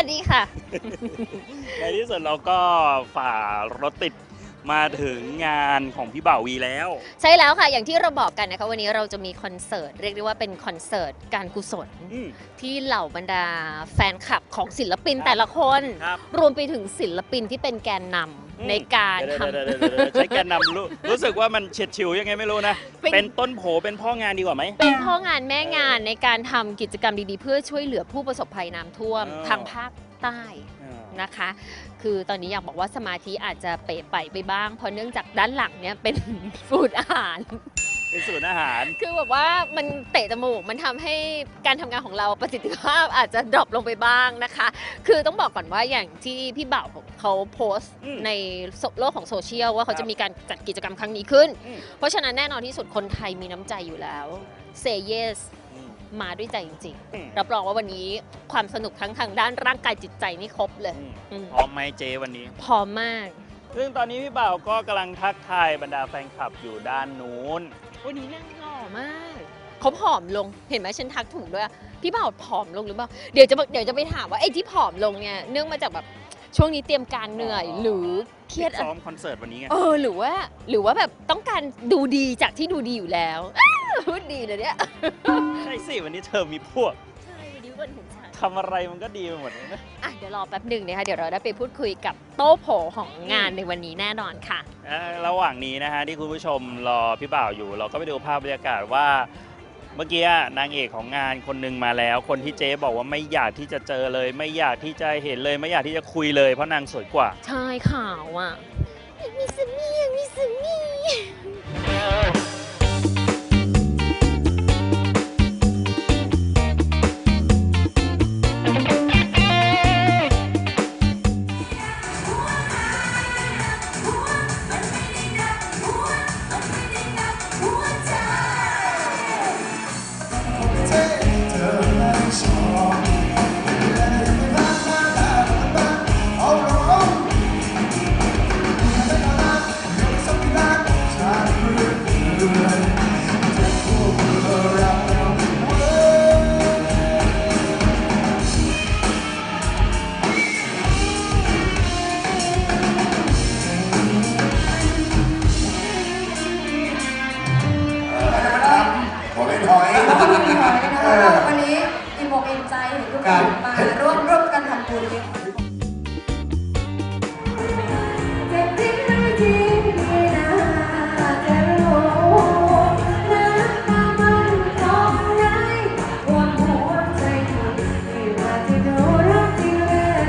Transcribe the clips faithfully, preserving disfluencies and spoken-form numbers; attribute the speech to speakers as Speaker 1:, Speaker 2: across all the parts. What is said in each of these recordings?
Speaker 1: ดีค่ะ
Speaker 2: ในที่สุดเราก็ฝ่ารถติดมาถึงงานของพี่บ่าววีแล้ว
Speaker 1: ใช่แล้วค่ะอย่างที่เราบอกกันนะคะวันนี้เราจะมีคอนเสิร์ตเรียกได้ว่าเป็นคอนเสิร์ตการกุศล
Speaker 2: อืม
Speaker 1: ที่เหล่าบรรดาแฟนคลับของศิลปิน
Speaker 2: ครับ
Speaker 1: แต่ละคน
Speaker 2: ครับ
Speaker 1: รวมไปถึงศิลปินที่เป็นแกนน
Speaker 2: อืม
Speaker 1: ำในการ
Speaker 2: เดี๋ยว
Speaker 1: ทำ
Speaker 2: เดี๋ยวเดี๋ยวเดี๋ยวใช้แกนนำรู้รู้สึกว่ามันเฉียดฉิวยังไงไม่รู้นะ
Speaker 1: เป็น
Speaker 2: เป็นต้นโผเป็นพ่องานดีกว่าไหม
Speaker 1: เป็นพ่องานแม่งานในการทำกิจกรรมดีๆ เพื่อช่วยเหลือผู้ประสบภัยน้ำท่วม
Speaker 2: อ๋อ
Speaker 1: ทางภาคใต้นะคะ คือตอนนี้อยากบอกว่าสมาธิอาจจะเป๋ไปไปบ้าง เพราะเนื่องจากด้านหลังเนี่ยเป็น ฟูดอาหาร
Speaker 2: เป็นศูนย์อาหาร
Speaker 1: คือแบบว่ามันเตะจมูก มันทำให้การทำงานของเราประสิทธิภาพอาจจะดรอปลงไปบ้างนะคะ คือต้องบอกก่อนว่าอย่างที่พี่บ่าวเขาโพสต์
Speaker 2: อืม
Speaker 1: ในโลกของโซเชียลว่าเขา
Speaker 2: ครับ
Speaker 1: จะมีการจัดกิจกรรมครั้งนี้ขึ้น
Speaker 2: อืม
Speaker 1: เพราะฉะนั้นแน่นอนที่สุดคนไทยมีน้ำใจอยู่แล้ว Say yes
Speaker 2: อืม
Speaker 1: มาด้วยใจจริง
Speaker 2: อืม
Speaker 1: ๆ รับรองว่าวันนี้ความสนุกทั้งทางด้านร่างกายจิตใจนี่ครบเลย
Speaker 2: อืม
Speaker 1: อืม
Speaker 2: พร้อมไหมเจวันนี้
Speaker 1: พร้อมมาก
Speaker 2: ซึ่งตอนนี้พี่บ่าวก็กำลังทักทายบรรดาแฟนคลับอยู่ด้านนู้น
Speaker 1: วันนี้นั่งหล่อมากเขาผอมลงเห็นไหมฉันทักถูกด้วยพี่บ่าวผอมลงหรือเปล่าเดี๋ยวจะเดี๋ยวจะไปถามว่าไอ้ที่ผอมลงเนี่ยเนื่องมาจากแบบช่วงนี้เตรียมการเหนื่อย
Speaker 2: อ๋อ
Speaker 1: หรือเครียดอะ
Speaker 2: ซ้อมคอนเสิร์ตวันนี้ไง
Speaker 1: เออหรือว่าหรือว่าแบบต้องการดูดีจากที่ดูดีอยู่แล้ว อ้าวพูดดีเลยเนี่ย
Speaker 2: ใช่สิวันนี้เธอมีพวก
Speaker 1: ใช่วันนี้วันของฉัน
Speaker 2: ทำอะไรมันก็ดีไปหมดเลยนะ
Speaker 1: อ่ะเดี๋ยวรอแป๊บหนึ่งนะคะเดี๋ยวเราได้ไปพูดคุยกับโต๊ะโผของงานในวันนี้แน่นอนค่ะ
Speaker 2: เอ่อระหว่างนี้นะฮะที่คุณผู้ชมรอพี่บ่าวอยู่ เราก็ไปดูภาพบรรยากาศว่า เมื่อกี้นางเอกของงานคนหนึ่งมาแล้ว คนที่เจ๊บอกว่าไม่อยากที่จะเจอเลย ไม่อยากที่จะเห็นเลย ไม่อยากที่จะคุยเลยเพราะนางสวยกว่า
Speaker 1: ใช่ข่าวอ่ะมีสมีมีสมี
Speaker 3: หัวเป็นหอย
Speaker 4: แล้วก็มีหอยนะคะแล้วก็วันนี้อิ่มอกอิ่มใจเห็นทุกคนมาร่วมร่วมกันทำบุญเลยเจ็บจริงไม่จริงไม่น่าจะรู้น้ำตามันตรงไหนวันหัวใจถูกที่ว่าที่ดูรักที่เหลือ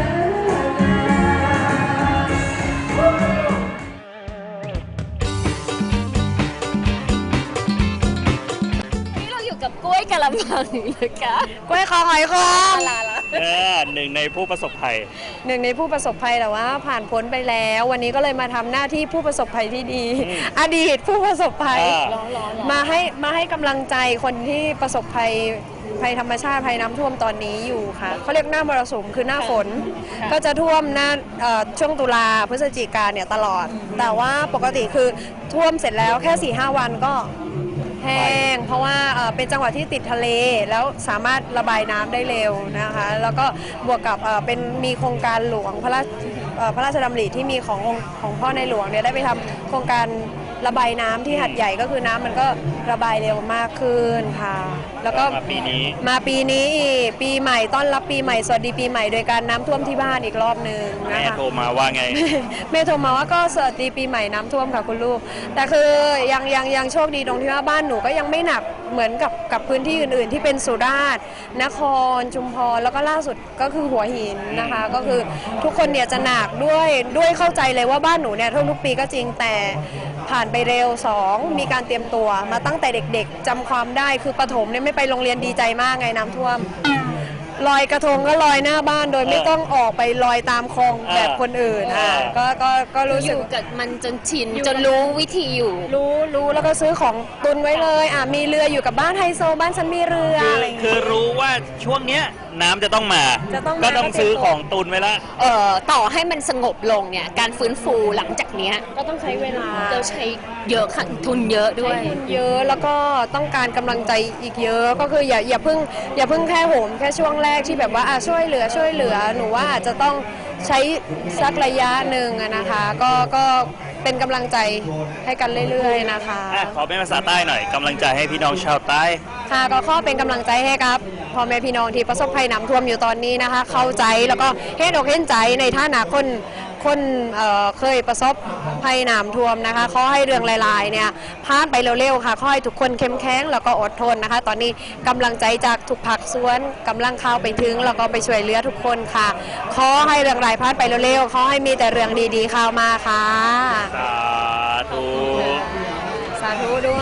Speaker 1: วันนี้เราอยู่กับกล้วยกะละมังนะคะ
Speaker 5: กล้วยคอหอยคอ
Speaker 1: ลาละ
Speaker 2: เออหนึ่งในผู้ประสบภัย
Speaker 5: หนึ่งในผู้ประสบภัยแต่ว่าผ่านพ้นไปแล้ว วันนี้ก็เลยมาทำหน้าที่ผู้ประสบภัยที่ดี
Speaker 2: อืม
Speaker 5: อดีตผู้ประสบภัย
Speaker 2: อ่า
Speaker 1: ร้อนร้อนร้อน
Speaker 5: มาให้มาให้กำลังใจคนที่ประสบภัยภัยธรรมชาติภัยน้ำท่วมตอนนี้อยู่ค่ะเขาเรียกหน้ามรสุมคือหน้าฝน ก็จะท่วมหน้าเอ่อช่วงตุลาพฤศจิกาเนี่ยตลอด แต่ว่าปกติคือท่วมเสร็จแล้วแค่ สี่ห้า วันก็แห้งเพราะว่าเอ่อเป็นจังหวัดที่ติดทะเลแล้วสามารถระบายน้ำได้เร็วนะคะแล้วก็บวกกับเอ่อเป็นมีโครงการหลวงพระราชเอ่อพระราชดำริที่มีขององค์ของพ่อในหลวงเนี่ยได้ไปทำโครงการระบายน้ำที่หัดใหญ่ก็คือน้ำมันก็ระบายเร็วมากขึ้นค่ะ แล้วก็
Speaker 2: มาปีนี้
Speaker 5: มาปีนี้อีกปีใหม่ต้อนรับปีใหม่สวัสดีปีใหม่โดยการน้ำท่วมที่บ้านอีกรอบหนึ่ง
Speaker 2: แม่
Speaker 5: นะคะ
Speaker 2: โทรมาว่าไง
Speaker 5: แม่โทรมาว่าก็สวัสดีปีใหม่น้ำท่วมค่ะคุณลูก แต่คือยังยังยังโชคดีตรงที่ว่าบ้านหนูก็ยังไม่หนักเหมือนกับกับพื้นที่อื่น ๆ ที่เป็นสุราษฎร์นครชุมพรแล้วก็ล่าสุดก็คือหัวหินนะคะ ก็คือทุกคนเนี่ยจะหนักด้วยด้วยเข้าใจเลยว่าบ้านหนูเนี่ยท่วมทุกปีก็จริงแต่ผ่านไปเร็วสองมีการเตรียมตัวมาตั้งแต่เด็ก ๆจำความได้คือประถมเนี่ยไม่ไปโรงเรียนดีใจมากไงน้ำท่วม ลอยกระทงก็ลอยหน้าบ้านโดยไม่ต้องออกไปลอยตามคลองแบบคนอื่นอ่ะก็ก็ก็รู้
Speaker 1: อ
Speaker 5: สึก
Speaker 1: ยู่กับมันจนชินจนรู้วิธีอยู่
Speaker 5: รู้รู้แล้วก็ซื้อของตุนไว้เลยอ่ะมีเรืออยู่กับบ้านไฮโซบ้านฉันมีเรือ
Speaker 2: คือ
Speaker 5: อะไรอย่าง
Speaker 2: คื
Speaker 5: เงี้
Speaker 2: อย รู้ว่าช่วงเนี้ยน้ำจะต้องมา
Speaker 5: จะต้องมา
Speaker 2: ก็ต้องซื้อของตุนไว้ละ
Speaker 1: เอ่อต่อให้มันสงบลงเนี่ยการฟื้นฟูหลังจากเนี้ย
Speaker 5: ก็ต้องใช้เวลา
Speaker 1: เราใช้เยอะค่ะทุนเยอะด้วย
Speaker 5: ใช้ทุนเยอะแล้วก็ต้องการกำลังใจอีกเยอะก็คืออย่าอย่าเพิ่งอย่าเพิ่งแค่โหมแค่ช่วงแรรก ๆ ที่แบบว่าอ่ะช่วยเหลือช่วยเหลือหนูว่าอาจจะต้องใช้สักระยะหนึ่งอะนะคะก็ก็เป็นกำลังใจให้กันเรื่อยๆนะคะ
Speaker 2: อ่ะขอเป็นภาษาใต้หน่อยกำลังใจให้พี่น้องชาวใต้
Speaker 5: ค่ะก็ขอเป็นกำลังใจให้ครับพ่อแม่พี่น้องที่ประสบภัยน้ำท่วมอยู่ตอนนี้นะคะ เข้าใจแล้วก็เห็นอกเห็นใจในฐานะคนคนเอ่อเคยประสบภัยน้ำท่วมนะคะขอให้เรื่องหลายๆเนี่ยผ่านไปเร็วๆค่ะขอให้ทุกคนเข้มแข็งแล้วก็อดทนนะคะ ตอนนี้กำลังใจจากทุกภาคส่วนกำลังเข้าไปถึงแล้วก็ไปช่วยเหลือทุกคนค่ะขอให้เรื่องร้ายผ่านไปเร็วๆขอให้มีแต่เรื่องดีๆเข้ามาค่ะ
Speaker 2: สาธุ
Speaker 5: สาธุด้วย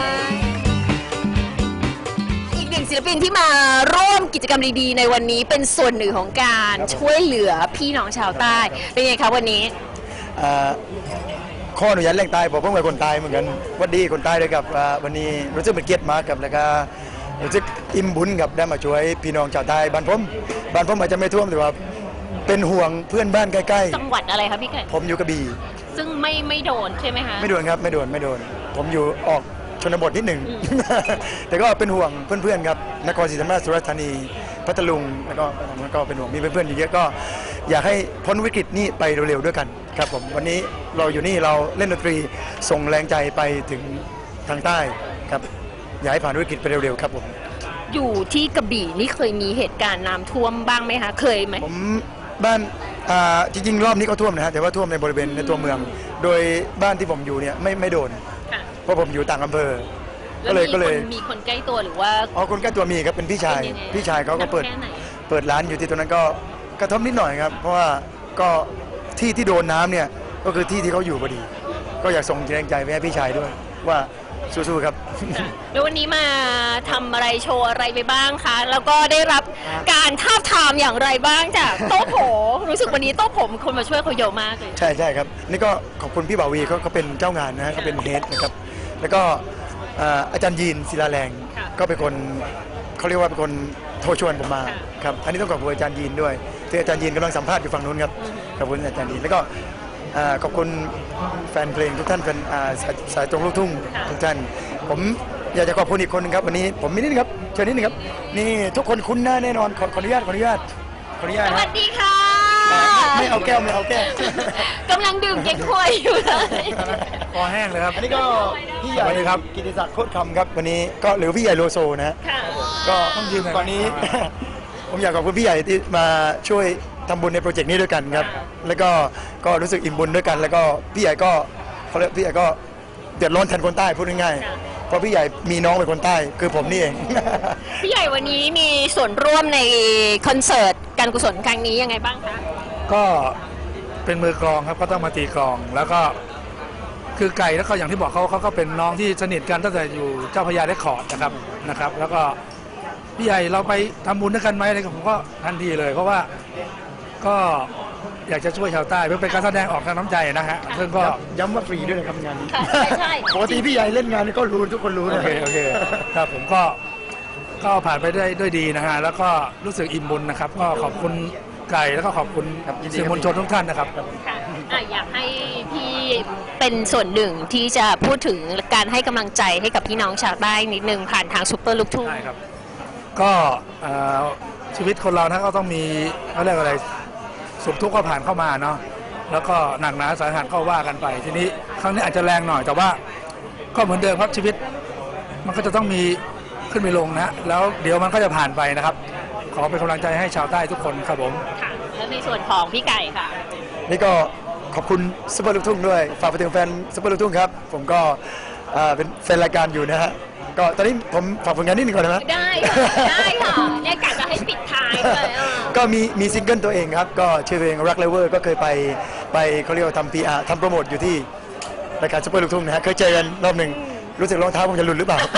Speaker 1: อีกหนึ่งศิลปินที่มาร่วมกิจกรรมดีๆในวันนี้เป็นส่วนหนึ่งของการช่วยเหลือพี่น้องชาวใต้เป็นไงคะวันนี้
Speaker 3: อ่าข้ออนุญาตแรงตายผมเพิ่งเป็นคนตายเหมือนกันหวัดดีคนตายเลยครับอ่าวันนี้รู้สึกเป็นเกียรติมากครับแล้วก็รู้สึกอิ่มบุญกับได้มาช่วยพี่น้องชาวใต้บ้านผมบ้านผมอาจจะไม่ท่วมแต่ว่าเป็นห่วงเพื่อนบ้านใกล้
Speaker 1: จังหวัดอะไรคะพี่ไก่
Speaker 3: ๆ ผมอยู่กระบี่
Speaker 1: ซึ่งไม่ไม่โดนใช่ไหมคะ
Speaker 3: ไม่โดนครับไม่โดนไม่โดน ผมอยู่ออกชนบทนิดหนึ่ง แต่ก็เป็นห่วงเพื่อนๆครับนครศรีธรรมราชสุราษฎร์ธานีพัทลุงแล้วก็แล้วก็เป็นห่วงมีเพื่อนๆอยู่เยอะก็อยากให้พ้นวิกฤตนี้ไปเร็วๆด้วยกันครับผมวันนี้เราอยู่นี่เราเล่นดนตรีส่งแรงใจไปถึงทางใต้ครับอยากให้ผ่านวิกฤตไปเร็วๆครับผม
Speaker 1: อยู่ที่กระบี่นี่เคยมีเหตุการณ์น้ำท่วมบ้างไหมคะเคยไหม
Speaker 3: ผมบ้านอ่าจริงๆรอบนี้ก็ท่วมนะฮะแต่ว่าท่วมในบริเวณในตัวเมือง โดยบ้านที่ผมอยู่เนี่ยไม่ไม่โดน
Speaker 1: ค่ะ
Speaker 3: เพราะผมอยู่ต่างอำเภอ
Speaker 1: แล้ว
Speaker 3: ก็เลย
Speaker 1: มี
Speaker 3: ก็
Speaker 1: ค
Speaker 3: เลย
Speaker 1: นมีคนใกล้ตัวหรือว่า
Speaker 3: อ๋อคนใกล้ตัวมีครับเป็นพี่ชาย
Speaker 1: เป็นยังไง
Speaker 3: พี่ชายเขาก็เปิด
Speaker 1: หนัแค่ไหน
Speaker 3: เปิดร้านอยู่ที่ตรงนั้นก็กระทบนิดหน่อยครับ เพราะว่าก็ที่ที่โดนน้ำเนี่ยก็คือที่ที่เขาอยู่พอดี ก็อยากส่งแรงใจไปให้พี่ชายด้วยว่าสู้ๆครับ
Speaker 1: แล้ววันนี้มาทำอะไรโชว์อะไรไปบ้างคะ แล้วก็ได้รับการทาบทามอย่างไรบ้างจากโต๊ะโผรู้สึกวันนี้โต๊ะผมคนมาช่วยเขาเยอะมากเลย
Speaker 3: ใช่ใช่ครับนี่ก็ขอบคุณพี่บ่าวีเขาเขาเป็นเจ้างานนะฮะเขาเป็นเฮดนะครับแล้วก็อ่าอาจารย์ยีนศิลาแรง
Speaker 1: ค่ะ
Speaker 3: ก็เป็นคนเขาเรียกว่าเป็นคนโทรชวนผมมา
Speaker 1: ค่ะ
Speaker 3: ครับอันนี้ต้องขอบคุณอาจารย์ยีนด้วยที่อาจารย์ยีนกำลังสัมภาษณ์อยู่ฝั่งนู้นครับ
Speaker 1: อือฮึ
Speaker 3: ขอบคุณอาจารย์ยีนแล้วก็อ่าขอบคุณแฟนเพลงทุกท่านแฟนอ่าสายสายตรงลูกทุ่งทุกท่านผมอยากจะขอบคุณอีกคนหนึงครับวันนี้ผมมีนิดนึงครับเชิญนิดนึงครับนี่ทุกคนคุ้นหน้าแน่นอนขอขออนุญาตขออนุญาตขออนุญาต
Speaker 1: ส
Speaker 3: นะ
Speaker 1: วัสดีค่ะ
Speaker 3: ไม่เอาแก้วไม่เอาแก้ว
Speaker 1: กำลังดื่มเก๊กฮวยอยู่เลย
Speaker 3: คอแห้งเลยครับ อันนี้ก็พี่ใหญ่ครับกิติศักดิ์โคตรคำครับวันนี้ก็หรือพี่ใหญ่โลโซนะฮะ
Speaker 1: ค่ะ
Speaker 3: ก็ต้องยืนตอนนี้ ผมอยากขอบคุณพี่ใหญ่ที่มาช่วยทำบุญในโปรเจกต์นี้ด้วยกันครับ แล้วก็ก็รู้สึกอิ่มบุญด้วยกัน แล้วก็พี่ใหญ่ก็เขาเรียกพี่ใหญ่ก็เดือดร้อนแทนคนใต้พูดง่าย
Speaker 1: ค่ะ
Speaker 3: ๆเพราะพี่ใหญ่มีน้องเป็นคนใต้คือผมนี่เอง
Speaker 1: พี่ใหญ่วันนี้มีส่วนร่วมในคอนเสิร์ตการกุศลครั้งนี้ยังไงบ้างคะ
Speaker 6: ก็เป็นมือกลองครับก็ต้องมาตีกลอง แล้วก็คือไก่แล้วก็อย่างที่บอกเขาเขาก็เป็นน้องที่สนิทกันตั้งแต่อยู่เจ้าพระยาได้คอร์ดนะครับนะครับ แล้วก็พี่ใหญ่เราไปทำบุญด้วยกันไหมอะไรก็ผมก็ทันทีเลย เพราะว่าก็อยากจะช่วยชาวใต้เพื่อเป็นการแสดงออกทางน้ำใจนะฮะซึ่งก็
Speaker 3: ย้ำว่าฟรีด้วยนะครับงานนี้
Speaker 1: ค่ะใช่ใช่
Speaker 3: ปกติพี่ใหญ่เล่นงานนี่ก็รู้ทุกคนรู้
Speaker 6: โอ
Speaker 3: นะ
Speaker 6: เคโอเคครับผมก็ก็ผ่านไปได้ด้วยดีนะฮะแล้วก็รู้สึกอิ่มบุญนะครับ ก็ขอบคุณไก่แล้วก็ขอบคุณสื่อมวลชนทุกท่านนะครับ
Speaker 1: ค่ะอ่ะอยากให้พี่เป็นส่วนหนึ่งที่จะพูดถึงการให้กำลังใจให้กับพี่น้องชาวใต้นิดนึงผ่านทางซุปเปอร์ลูกทุ่ง
Speaker 6: ใช่ครับ ก็เอ่อชีวิตคนเรานะก็ต้องมีเขาเรียกอะไรสุขทุกข์ก็ผ่านเข้ามาเนาะแล้วก็หนักหนาสาหัสก็ว่ากันไป ทีนี้ครั้งนี้อาจจะแรงหน่อยแต่ว่าก็เหมือนเดิมครับชีวิตมันก็จะต้องมีขึ้นมีลงนะแล้วเดี๋ยวมันก็จะผ่านไปนะครับ ขอเป็นกำลังใจให้ชาวใต้ทุกคนครับผม
Speaker 1: ค่ะ แล้วในส่วนของพี่ไก่ค่ะ
Speaker 3: นี่ก็ขอบคุณซุปเปอร์ลูกทุ่งด้วยฝากไปถึงแฟนซุปเปอร์ลูกทุ่งครับผมก็อ่าเป็นแฟนรายการอยู่นะฮะก็ตอนนี้ผมฝากผลงานนิดหนึงก่อนได้ไหม
Speaker 1: ได้ค่ะได้ค่ะเนี่ยกะจะให้ปิดท้ายเลยอ่ะ
Speaker 3: ก็มีมีซิงเกิลตัวเองครับ ก็ชื่อเพลงรักเลเวอร์ก็เคยไปไปเขาเรียกว่าทำ พี อาร์ ทำโปรโมทอยู่ที่รายการซุปเปอร์ลูกทุ่งนะฮะเคยเจอกันรอบหนึ่งรู้สึกรองเท้าผมจะหลุดหรือเปล่า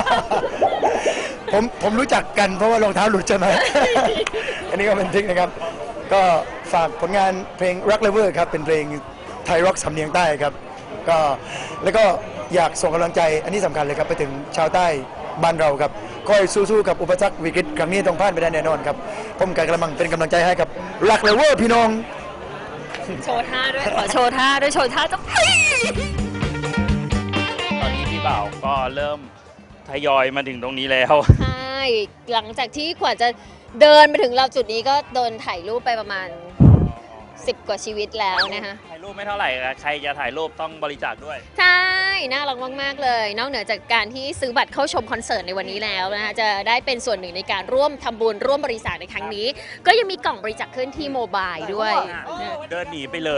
Speaker 3: ผมผมรู้จักกันเพราะว่ารองเท้าหลุดใช่ไหม อันนี้ก็เป็นทริคนะครับ ก็ฝากผลงานเพลงรักเลเวอร์ครับเป็นเพลงไทยร็อกสำเนียงใต้ครับก็แล้วก็อยากส่งกำลังใจอันนี้สำคัญเลยครับไปถึงชาวใต้บ้านเราครับคอยสู้ๆกับอุปสรรควิกฤตครั้งนี้ต้องผ่านไปได้แน่นอนครับผมกำลังเป็นกำลังใจให้กับรักเลเวอร์พี่น้อง
Speaker 1: โชว์ท่าด้วย ขอโชว์ท่าด้วย โชว์ท่าต้อง
Speaker 2: ตอนนี้พี่บ่าวก็เริ่มทยอยมาถึงตรงนี้แล้ว
Speaker 1: ใช่หลังจากที่กว่าจะเดินมาถึงเราจุดนี้ก็โดนถ่ายรูปไปประมาณสิบกว่าชีวิตแล้วนะคะ
Speaker 2: ถ่ายรูปไม่เท่าไหร่อะใครจะถ่ายรูปต้องบริจาคด้วย
Speaker 1: ใช่ น่ารักมากๆเลย นอกเหนือจากการที่ซื้อบัตรเข้าชมคอนเสิร์ตในวันนี้แล้วนะคะจะได้เป็นส่วนหนึ่งในการร่วมทำบุญร่วมบริจาคในครั้งนี้ ก็ยังมีกล่องบริจาคเคลื่อนที่โมบายด้วยนะ
Speaker 2: เดินหนีไปเลย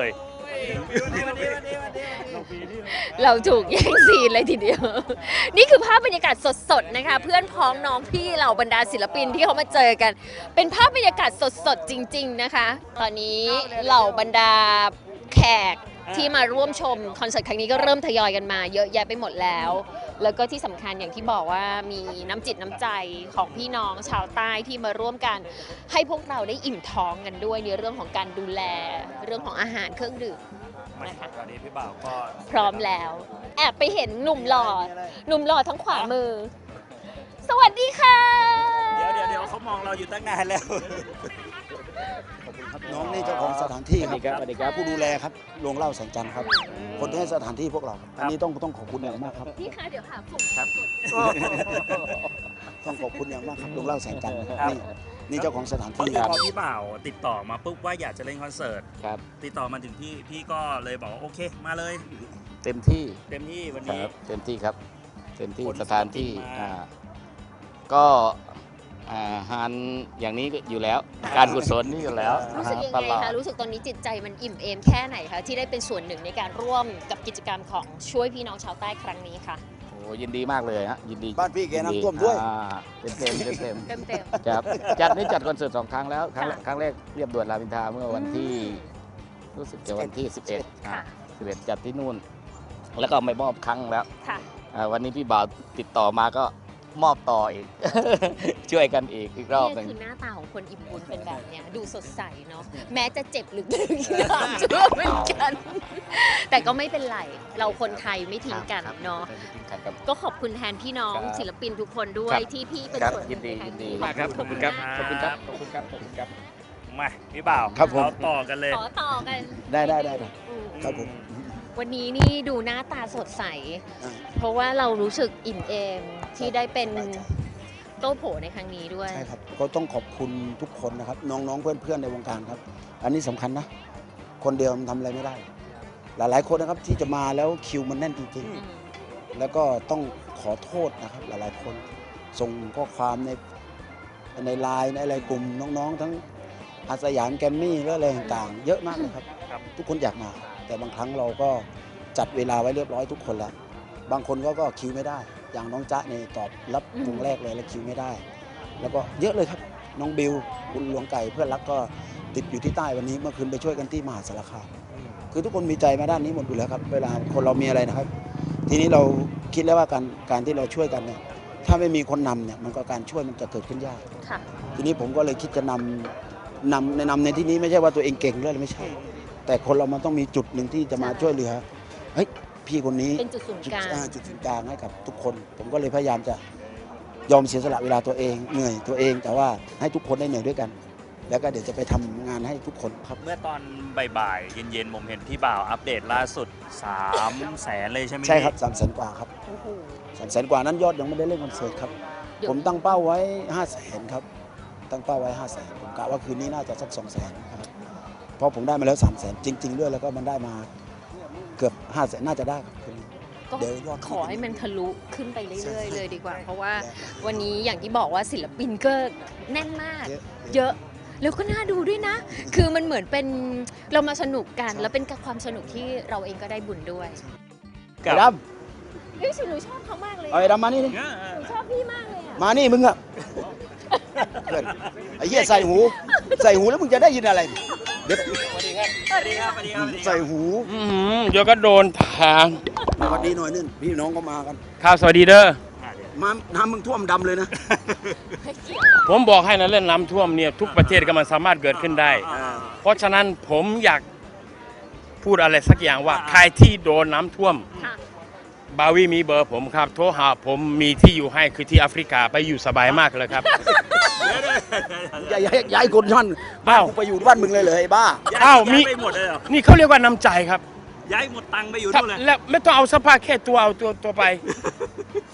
Speaker 1: เราถูกแย่งซีนเลยทีเดียว นี่คือภาพบรรยากาศสดๆนะคะ เพื่อนพ้องน้องพี่เหล่าบรรดาศิลปินที่เขามาเจอกัน เป็นภาพบรรยากาศสดๆจริง ๆนะคะ ตอนนี้เหล่าบรรดาแขกที่มาร่วมชมคอนเสิร์ตครั้งนี้ก็เริ่มทยอยกันมาเยอะแยะไปหมดแล้ว แล้วก็ที่สำคัญอย่างที่บอกว่ามีน้ำจิตน้ำใจของพี่น้องชาวใต้ที่มาร่วมกัน ให้พวกเราได้อิ่มท้องกันด้วยในเรื่องของการดูแลเรื่องของอาหารเครื่องดื่ม นะคะ
Speaker 2: ตอนนี้พี่บ่าวก็
Speaker 1: พร้อมแล้ว แอบไปเห็นหนุ่มหล่อหนุ่มหล่อทั้งขวามือ สวัสดีค่ะ
Speaker 2: เดี๋ยวเดี๋ยวเดี๋ยวเขามองเราอยู่ตั้งนานแล้ว
Speaker 7: น้องนี่เจ้าของสถานที่ครับ
Speaker 1: สวัสดีครับ
Speaker 7: ผู้ดูแลครับโรงเหล่าแสงจันทร์ครับ คนที่ให้สถานที่พวกเราครับอันนี้ต้องต้องขอบคุณอย่างมากครับ
Speaker 1: พี่คะเดี๋ยวหาผม
Speaker 2: ครับ
Speaker 7: ต้องขอบคุณอย่างมากครับโรงเหล่าแสงจันทร์
Speaker 2: ครับ
Speaker 7: นี่นี่เจ้าของสถาน
Speaker 2: พอ
Speaker 7: ที่
Speaker 2: ดี
Speaker 7: ครับ
Speaker 2: พอพี่บ่าวติดต่อมาปุ๊บว่าอยากจะเล่นคอนเสิร์ต
Speaker 8: ครับ
Speaker 2: ติดต่อมาถึงพี่พี่ก็เลยบอกว่าโอเคมาเลย
Speaker 8: เต็มที่
Speaker 2: เต็มที่วัน
Speaker 8: ค
Speaker 2: นี้
Speaker 8: รับเต็มที่ครับ เต็มที่
Speaker 2: คน
Speaker 8: สถานที่
Speaker 2: มา
Speaker 8: อ่าก็อาหารอย่างนี้ก็อยู่แล้ว การกุศลนี่อยู่แล้ว
Speaker 1: รู้สึกยัง
Speaker 8: ต
Speaker 1: ไง
Speaker 8: ลอด
Speaker 1: คะ รู้สึกตอนนี้จิตใจมันอิ่มเอมแค่ไหนคะที่ได้เป็นส่วนหนึ่งในการร่วมกับกิจกรรมของช่วยพี่น้องชาวใต้ครั้งนี้ค่ะ
Speaker 8: โอ้ยินดีมากเลยฮะยินดี
Speaker 7: บ้านพี่แก
Speaker 8: ยิดี
Speaker 7: น้ำท่วมด้วย
Speaker 8: อ่าเต็มเต็มเต็มเต็ม
Speaker 1: เต็มเต็ม
Speaker 8: ครับจัดนี่จัดคอนเสิร์ตสองครั้งแล้วครั้งแรก
Speaker 1: ค่ะ
Speaker 8: ครั้งแรกเรียบด่วนรามอินทราเมื่อวันที่
Speaker 1: อืม
Speaker 8: รู้สึกจะวันที่ สิบเอ็ด
Speaker 1: ค่ะ
Speaker 8: อ่าสิบเอ็ดจัดที่นู่น แล้วก็ไม่มอบครั้งแล้ว
Speaker 1: ค่ะ
Speaker 8: อ่าวันนี้พี่บ่าวติดต่อมาก็มอบต่ออีก ช่วยกันอีกอีกรอบห
Speaker 1: นี่
Speaker 8: นึ่ง
Speaker 1: คือหน้าตาของคนอิ่มบุญเป็นแบบเนี้ยดูสดใสเนาะแม้จะเจ็บลึกๆน้ำท่วมเหมือนกัน แต่ก็ไม่เป็นไร เราคนไทยไม่ทิ้งกัน
Speaker 8: ครับ
Speaker 1: เนาะ
Speaker 8: ไม่ทิ้งกันครับ
Speaker 1: ก็ขอบคุณแทนพี่น้อง
Speaker 8: ครับ
Speaker 1: ศิลปินทุกคนด้ว
Speaker 8: ครั
Speaker 1: ย
Speaker 8: บ
Speaker 1: ที่พี่เป็น
Speaker 8: ครับ
Speaker 1: ส่วนห
Speaker 8: ยิ
Speaker 1: นึ่
Speaker 8: น
Speaker 1: ง
Speaker 8: ดี
Speaker 1: ในครั้ง
Speaker 8: ยินดี
Speaker 1: นี้
Speaker 8: มากครับขอบคุณครับ
Speaker 1: มาก
Speaker 8: ขอบคุณครับขอบคุณครับขอบคุณครับ
Speaker 2: มาพี่บ่าว
Speaker 7: ครับผม
Speaker 2: เราต่อกันเลย
Speaker 1: ขอต่อกัน
Speaker 7: ได้ได้ได้ได้
Speaker 1: อืม
Speaker 7: ครับผม
Speaker 1: วันนี้นี่ดูหน้าตาสดใส
Speaker 7: อ่า
Speaker 1: เพราะว่าเรารู้สึกอิ่มเอมที่ได้เป็นโต้โผในครั้งนี้ด้วย
Speaker 7: ใช่ครับก็ต้องขอบคุณทุกคนนะครับ น้องๆเพื่อนๆในวงการครับ อันนี้สำคัญนะ คนเดียวมันทำอะไรไม่ได้ หลายๆคนนะครับที่จะมาแล้วคิวมันแน่นจริง
Speaker 1: อืม
Speaker 7: ๆ แล้วก็ต้องขอโทษนะครับ หลายๆคนส่งข้อความในในไลน์ในอะไรกลุ่มน้องๆ ทั้งอาสยามแกรมมี่และอะไรต่างๆ เยอะมากเลยครับ
Speaker 2: ครับ
Speaker 7: ทุกคนอยากมา แต่บางครั้งเราก็จัดเวลาไว้เรียบร้อยทุกคนแล้ว บางคนก็ก็คิวไม่ได้ อย่างน้องจ๊ะเนี่ยตอบรับ
Speaker 1: อืม
Speaker 7: วงแรกเลยแล้วคิวไม่ได้ แล้วก็เยอะเลยครับ น้องบิวคุณหลวงไก่เพื่อนรักก็ติดอยู่ที่ใต้วันนี้เมื่อคืนไปช่วยกันที่มหาสารคามคือทุกคนมีใจมาด้านนี้หมดอยู่แล้วครับ เวลาคนเรามีอะไรนะครับ ทีนี้เราคิดแล้วว่าการการที่เราช่วยกันเนี่ยถ้าไม่มีคนนำเนี่ยมันก็การช่วยมันจะเกิดขึ้นยาก
Speaker 1: ค่ะ
Speaker 7: ทีนี้ผมก็เลยคิดจะนำนำในนำในที่นี้ไม่ใช่ว่าตัวเองเก่งเลยไม่ใช่ แต่คนเรามันต้องมีจุดหนึ่งที่จะมา
Speaker 1: ใช่
Speaker 7: ช่วยเหลือเฮ้ยพี่คนนี้
Speaker 1: เป็นจุดศูนย์
Speaker 7: จุด
Speaker 1: กลาง
Speaker 7: อ่าจุดศูนย์กลางให้กับทุกคน ผมก็เลยพยายามจะยอมเสียสละเวลาตัวเองเหนื่อยตัวเอง แต่ว่าให้ทุกคนได้เหนื่อยด้วยกัน แล้วก็เดี๋ยวจะไปทำงานให้ทุกคนครับ
Speaker 2: เมื่อตอนบ่ายๆเย็นๆผมเห็นพี่บ่าวอัปเดตล่าสุด3แสนเลยใช่ไหม
Speaker 7: ใช่ครับสามแสนกว่าครับ
Speaker 1: โอ้โห
Speaker 7: สามแสนกว่านั้นยอดยังไม่ได้เล่นคอนเสิร์ตครับ
Speaker 1: เดี๋ยว
Speaker 7: ผมตั้งเป้าไว้ห้าแสนครับ ตั้งเป้าไว้ห้าแสนผมกะว่าคืนนี้น่าจะสักสองแสนครับเพราะผมได้มาแล้วสามแสนจริง ๆ ด้วยแล้วก็มันได้มาเกือบห้าแสนน่าจะได้ครับคืนนี้
Speaker 1: ก็
Speaker 7: เดี๋ยวยอด
Speaker 1: ขอให้มันทะลุขึ้นไปเรื่อยๆเลยดีกว่า เพราะว่า
Speaker 7: และ
Speaker 1: วันนี้อย่างที่บอกว่าศิลปินก็แน่นมาก
Speaker 7: เยอะ
Speaker 1: เยอะ แล้วก็น่าดูด้วยนะ คือมันเหมือนเป็นเรามาสนุกกัน
Speaker 7: ใช่
Speaker 1: แล้วเป็นความสนุกที่เราเองก็ได้บุญด้วย
Speaker 7: ไอ้ด
Speaker 1: เฮ้ยหนูชอบเขามากเลย
Speaker 7: ำเอาไอ้ดำมานี่ดิ
Speaker 2: เออ
Speaker 1: หนูชอบพี่มากเลยอะ
Speaker 7: มานี่มึงอะเพื่อนไอ้เหี้ยใส่หู ใส่หูแล้วมึงจะได้ยินอะไรเด็ก
Speaker 2: สวัสดีครับสวัสดีครับสวัสดีครับ
Speaker 7: ใส่หู
Speaker 9: อืมเดี๋ยวก็โดนทาง
Speaker 7: สวัสดีหน่อยนึงพี่น้องก็มากัน
Speaker 9: ข่าวสวัสดีเด้อ
Speaker 2: อ่ะเดี๋ยว
Speaker 7: มาน้ำมึงท่วมดำเลยนะ
Speaker 9: ผมบอกให้นะเรื่องน้ำท่วมเนี่ยทุกประเทศก็มันสามารถเกิดขึ้นได้ เพราะฉะนั้นผมอยากพูดอะไรสักอย่างว่า ใครที่โดนน้ำท่วม
Speaker 1: ค่ะ
Speaker 9: บาวีมีเบอร์ผมครับ โทรหาผมมีที่อยู่ให้คือที่แอฟริกาไปอยู่สบายมากเลยครับ
Speaker 7: อย่าย้ายย้ายคนท่าน
Speaker 9: อ้าว
Speaker 7: กูไปอยู่บ้านมึงเลยเหรอไอ้บ้า
Speaker 2: ย้าย
Speaker 9: อ้าวมี
Speaker 2: ย้ายไปหมดเลยเหรอ
Speaker 9: นี่เขาเรียกว่าน้ำใจครับ
Speaker 2: ย้ายหมดตังค์ไปอยู่
Speaker 9: ครับ
Speaker 2: นู่นเลย
Speaker 9: และไม่ต้องเอาสภาพแค่ตัวเอาตัวตัวไป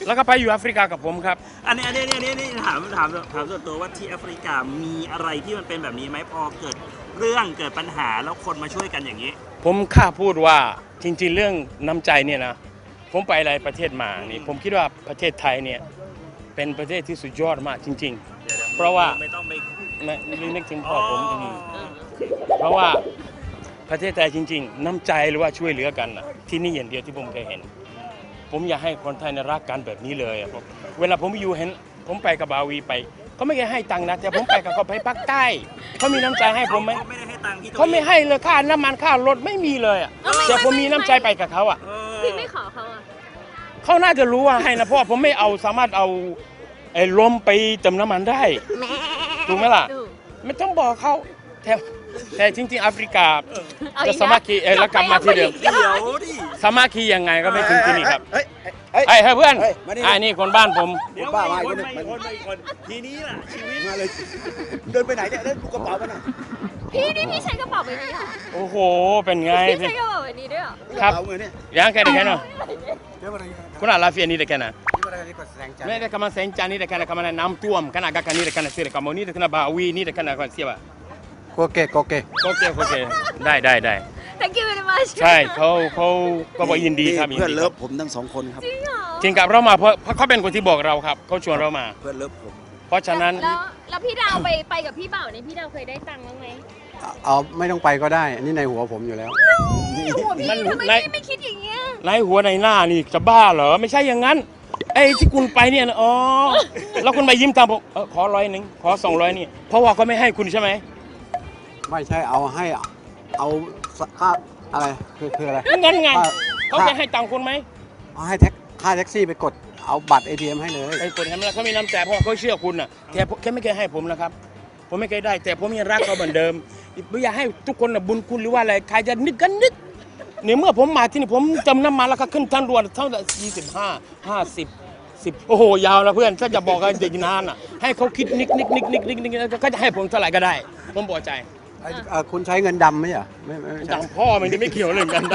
Speaker 9: แล้วก็ไปอยู่แอฟริกากับผมครับ
Speaker 2: อันนี้อันนี้อันนี้อันนี้ถามถามถามส่วนตัวว่าที่แอฟริกามีอะไรที่มันเป็นแบบนี้ไหมพอเกิดเรื่องเกิดปัญหาแล้วคนมาช่วยกันอย่างนี้
Speaker 9: ผมข้าพูดว่าจริงๆเรื่องน้ำใจเนี่ยนะผมไปหลายประเทศมานี่ผมคิดว่าประเทศไทยเนี่ยเป็นประเทศที่สุดยอดมากจริง ๆ เพราะว่า
Speaker 2: ไม่ต้องไป
Speaker 9: ไม่ไม่นึกถึงพ่อผมอืมเพราะว่าประเทศไทยจริง ๆ น้ำใจหรือว่าช่วยเหลือกันนะที่นี่อย่างเดียวที่ผมเคยเห็น ผมอยากให้คนไทยเนี่ยรักกันแบบนี้เลยอะผมเวลาผมอยู่เห็นผมไปกับบาวีไปเขาไม่เคยให้ตังค์นะแต่ผมไปกับเขาไปภาคใต้เขามีน้ำใจให้ผมไหม
Speaker 2: เขาไม่ได้ให้ตังค์ที่ตัว
Speaker 9: เขาไม่ให้เลยค่าน้ำมันค่ารถไม่มีเลยอะแต่ผมมีน้ำใจไปกับเขาอะ
Speaker 2: เออ
Speaker 1: พี่ไม่ขอเขาอ่ะ
Speaker 9: เขาน่าจะรู้ว่าให้นะเพราะว่าผมไม่เอาสามารถเอาไอ้ลมไปเติมน้ำมันได้ถูกไหมล่ะ ไม่ต้องบอกเขาแต่แต่จริงๆแอฟริกา
Speaker 1: เอา
Speaker 9: จะ
Speaker 1: อีก
Speaker 9: สามัคคีเอ้ยแล้วกลับมาที่เดิม
Speaker 2: เดี๋ยวดิ
Speaker 9: สามัคคียังไงก็ไม่ถึงที่นี่ครับ
Speaker 7: เฮ้ยเฮ้ย
Speaker 9: ไอ้เฮ้ยเพื่อน
Speaker 7: เฮ้ยมานี่
Speaker 9: ไอ้นี่คนบ้านผม
Speaker 2: เดี๋ยว
Speaker 7: บ้า
Speaker 2: มา
Speaker 7: มา
Speaker 2: อี
Speaker 7: อี
Speaker 2: ก
Speaker 7: ก
Speaker 2: คน
Speaker 7: คน
Speaker 2: มาอีกคนมาอีกคนทีนี้ล่ะชีวิต
Speaker 7: มาเลย เดินไปไหนเนี่ยเล่นกระเป๋าไปไหน
Speaker 1: พี่นี่พี่ใช้กระเป๋าใบนี้เหรอ
Speaker 9: โอ้โหเป็นไง
Speaker 1: พี่ใช้กระเป๋าใบนี้ด้วยเหรอ
Speaker 9: ครับ
Speaker 7: กระเป๋าเงินเนี่ย
Speaker 9: ยังแค่ไหนแค่นั้น
Speaker 7: เดี๋ยวมาเลย
Speaker 9: คุณอาลาเฟียนี่ได้แค่นั้น
Speaker 7: นี่มาเลยนี่ก็แสดงใจ
Speaker 9: ไม่ได้กำลังเซนจานี่ได้แค่นั้นกำลังน้ำท่วมขนาดกันนี่ได้แค่นั้นเสียกำมันนี่ได้แค่นั้นบาวีนี่ได้แค่นั้นก่อนเสียบะ
Speaker 7: โอเคโอเค
Speaker 9: โอเคโอเคได้ได้ได้
Speaker 1: thank you very much
Speaker 9: ใช่เขาเขาก็บอกยินดีครับยิน
Speaker 7: เพื่อน
Speaker 9: ดี
Speaker 7: เลิ
Speaker 9: ครั
Speaker 7: ฟ
Speaker 9: บ
Speaker 7: ผมทั้งสองคนครับ
Speaker 1: จริงเหรอ
Speaker 9: จริงกับเรามาเพราะเพราะเขาเป็นคนที่บอกเราครับเขาชวนเรามา
Speaker 7: เพื่อนเลิฟผม
Speaker 9: เพราะฉะนั้น
Speaker 1: แล้วแล้วพี่ดาวไปไปกับพี่เบ่าวเนี่ยพี่ดาวเคยได้ตังค์บ้างไหม
Speaker 10: เอาไม่ต้องไปก็ได้ อันนี้ในหัวผมอยู่แล้ว
Speaker 1: พี่หัวพี่
Speaker 9: มัน
Speaker 1: ทำไม
Speaker 9: ใน
Speaker 1: พี่ไม่คิดอย่างเงี้ย
Speaker 9: ในหัวในหน้านี่จะบ้าเหรอไม่ใช่อย่างนั้นไอ้ที่คุณไปเนี่ยนะอ๋อแล้วคุณไปยิ้มตามผมเออขอร้อยหนึ่งขอสองร้อยนี่เพราะว่าเขาไม่ให้คุณใช่ไหม
Speaker 10: ไม่ใช่เอาให้เอาค่าอะไรคือคืออะไร
Speaker 9: งั้นไง
Speaker 10: ค่า
Speaker 9: เขาจะให้ตังค์คุณไหม
Speaker 10: เอาให้แท็กค่าแท็กซี่ไปกดเอาบัตร เอ ที เอ็ม ให้เลย
Speaker 9: ไอ้คนทำนั้นเขามีน้ำใจเพราะว่าเขาเชื่อคุณน่ะแต่แค่ไม่เคยให้ผมนะครับ ผมไม่เคยได้ แต่ผมยังรักเขาเหมือนเดิมไม่อยากให้ทุกคนน่ะบุญคุณหรือว่าอะไรใครจะนึกกันนึกเนี่ยเมื่อผมมาที่นี่ผมจำน้ำมันแล้วก็ขึ้นทางด่วนเท่าไหร่ยี่สิบห้าห้าสิบสิบโอ้โหยาวนะเพื่อนถ้าจะบอกกันเด็กนานอ่ะให้เขาคิดนิกนิกนิกนิกนิกนิกก็จะให้ผมเท่าไหร่ก็ได้ ผมพอใจ
Speaker 10: ไอ้เอ่อคุณใช้เงินดำไหมอ่ะไม่ไม่ไม่ใช่
Speaker 9: ดังพ่อมันนี่ไม่เกี่ยวเลยกันด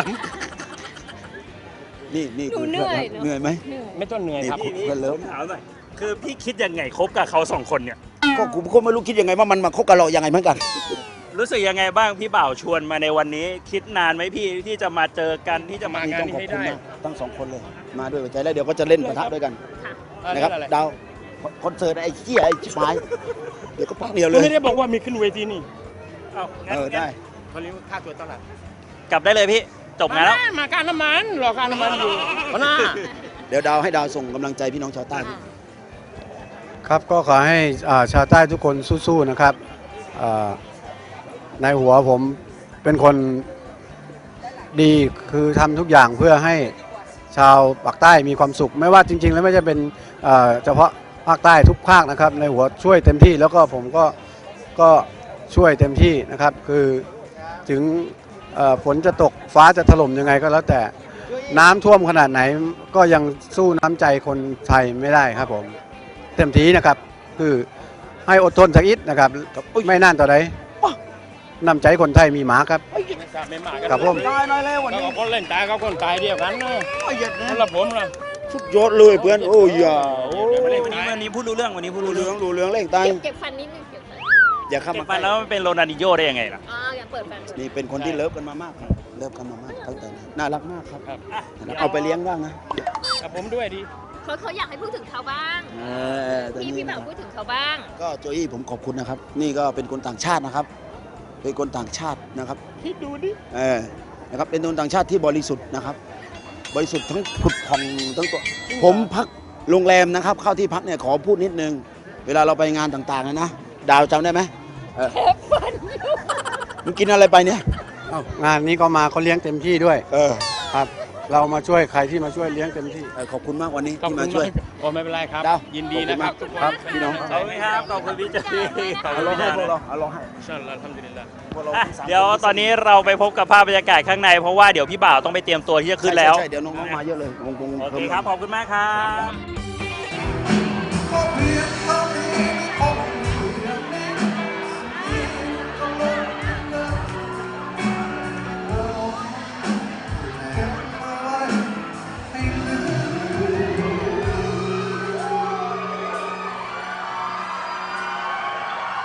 Speaker 7: นี่นี่
Speaker 1: หนูเหนื่อยเนอะ
Speaker 7: เหนื่อยไหม
Speaker 1: เหนื่อย
Speaker 9: ำไม่ต้องเหนื่อยครับ
Speaker 7: นี่
Speaker 2: นี่ผมถามหน่อยคือพี่คิดยังไงคบกับเขาสองคนเนี่ย
Speaker 7: ก็ผมก็ไม่รู้คิดยังไงว่ามันมาคบกับเรายังไงเหมือนกัน
Speaker 2: รู้สึกยังไงบ้างพี่บ่าวชวนมาในวันนี้ คิดนานไหมพี่ที่จะมาเจอกันที่จะมา
Speaker 9: งาน
Speaker 7: ต้อง
Speaker 9: นี้
Speaker 7: ขอบ
Speaker 9: ให้
Speaker 7: คุณ
Speaker 9: ได้
Speaker 7: นะทั้งสองคนเลย มาด้วยหัวใจแล้วเดี๋ยวก็จะเล่นปะทะด้วยกัน
Speaker 9: อ่
Speaker 7: นะครับ
Speaker 9: นั่นแหละ
Speaker 7: ดาวคอนเสิร์ตไอ้เหี้ยไอ้ชิบหายเดี๋ยวก็พักเดียวเล
Speaker 9: คุณ
Speaker 7: ย
Speaker 9: ไม่ได้บอกว่ามีขึ้นเวทีนี่
Speaker 2: เอางั้น
Speaker 7: เออได้
Speaker 9: เขาเรียกว่าค่าตัวเท่าไหร่
Speaker 2: กลับได้เลยพี่จบงานแล้ว
Speaker 9: มาการน้ำมันรอการน้ำมันอยู่หัวหน้า
Speaker 7: เดี๋ยวดาวให้ดาวส่งกำลังใจพี่น้องชาวใต้
Speaker 10: ครับก็ขอให้อ่าชาวใต้ทุกคนสู้ๆนะครับอ่าในหัวผมเป็นคนดีคือทำทุกอย่างเพื่อให้ชาวปากใต้มีความสุข ไม่ว่าจริง ๆ แล้วไม่จะเป็นเอ่อเฉพาะภาคใต้ทุกภาคนะครับ ในหัวช่วยเต็มที่แล้วก็ผมก็ก็ช่วยเต็มที่นะครับ คือถึงเอ่อฝนจะตกฟ้าจะถล่มยังไงก็แล้วแต่น้ำท่วมขนาดไหนก็ยังสู้น้ำใจคนไทยไม่ได้ครับผมเต็มที่นะครับคือให้อดทนสักนิดนะครับไม่นานต่อใดน้ำใจคนไทยมีหมาครับ
Speaker 9: ไม่ทราบไม่มากัน
Speaker 10: ครับผม
Speaker 7: ตายน้อยแล้ววัน
Speaker 9: แล้ว
Speaker 7: นี้
Speaker 9: ก็คนเล่นตายเขาคนตายเดียวกันนะ
Speaker 7: โอ้ยเหี้ยนะ
Speaker 9: นั่นละผมนะ
Speaker 7: สุดยอดเลยเพื่อนโอ้ยอย่าโอ้
Speaker 2: วันนี้
Speaker 7: ย
Speaker 2: วันนี้วันนี้พูดรู้เรื่องวันนี้พูด
Speaker 7: ดู
Speaker 2: รู้
Speaker 7: เหลื
Speaker 2: เรื่
Speaker 7: อ
Speaker 2: อง
Speaker 7: งดูเหลืองเล่งตาย
Speaker 1: เก็บเก็บฟันนิดนึงเก็บฟัน
Speaker 7: อย่าเข้า
Speaker 2: เก็บ
Speaker 7: มา
Speaker 2: ไปแล้วมันเป็นโรนัลดิโญ่ได้ยังไงล่ะ
Speaker 1: อ๋ออย่าเปิดฟัน
Speaker 7: นี่เป็นคนที่เลิฟกันมามากครับเลิฟกันมามากตั้งแต่นั้นน่ารักมากครับ
Speaker 9: ครับ
Speaker 7: นะครับเอาไปเลี้ยงบ้างนะ
Speaker 9: กับผมด้วยดี
Speaker 1: เขาเขาอยากให้พูดถึงเขาบ้าง
Speaker 7: เออตัว
Speaker 1: พี่
Speaker 7: นี้
Speaker 1: พี่บ่าวพูดถึงเขาบ้าง
Speaker 7: ก็โจอี้ผมขอบคุณนะครับ นี่ก็เป็นคนต่างชาตินะครับ เป็นคนต่างชาตินะครับ
Speaker 9: คิดดูดิ
Speaker 7: เออนะครับเป็นคนต่างชาติที่บริสุทธิ์นะครับ บริสุทธิ์ทั้งผุดผ่องทั้งตัวผมพักโรงแรมนะครับ เข้าที่พักเนี่ยขอพูดนิดนึง เวลาเราไปงานต่างๆนะนะดาวจำได้ไหมเออมึงกินอะไรไปเนี่ย
Speaker 10: เอ้างานนี้ก็มาเขาเลี้ยงเต็มที่ด้วย
Speaker 7: เออ
Speaker 10: ครับ เรามาช่วยใครที่มาช่วยเลี้ยงเต็มที่
Speaker 7: เออขอบคุณมากวันนี้
Speaker 9: ขอบ
Speaker 7: ที่
Speaker 9: คุ
Speaker 7: มา
Speaker 9: ณ
Speaker 7: ช่วย
Speaker 9: มากโอ้ไม่เป็นไรครับ
Speaker 7: ดาว
Speaker 9: ยินดีนะครับ
Speaker 7: ขอบ
Speaker 9: ทุก
Speaker 7: คุณ
Speaker 9: คน
Speaker 7: ครับพี่น้อง
Speaker 2: ขอบคุณครับขอบคุณพี่เจมี่ขอบคุ
Speaker 7: เอา
Speaker 2: ณ
Speaker 7: ลอง
Speaker 2: พี่
Speaker 7: ให้
Speaker 2: ดา
Speaker 7: พวกเราเอาลองให้
Speaker 9: อินชาอัลลอฮ์อัลฮัมดุลิลลาห์
Speaker 7: พวกเรา
Speaker 2: อ่ะ
Speaker 7: ทั้งสาม
Speaker 2: เดี๋ยวตอนนี้เราไปพบกับภาพบรรยากาศข้างใน เพราะว่าเดี๋ยวพี่บ่าวต้องไปเตรียมตัวที่จะขึ้นแล้ว
Speaker 7: ใช่ใช่ใช่เดี๋ยวน้องๆมาเยอะเลยวงวง
Speaker 2: โอเค
Speaker 7: พิ่ม
Speaker 2: ครับขอบคุณมากครับ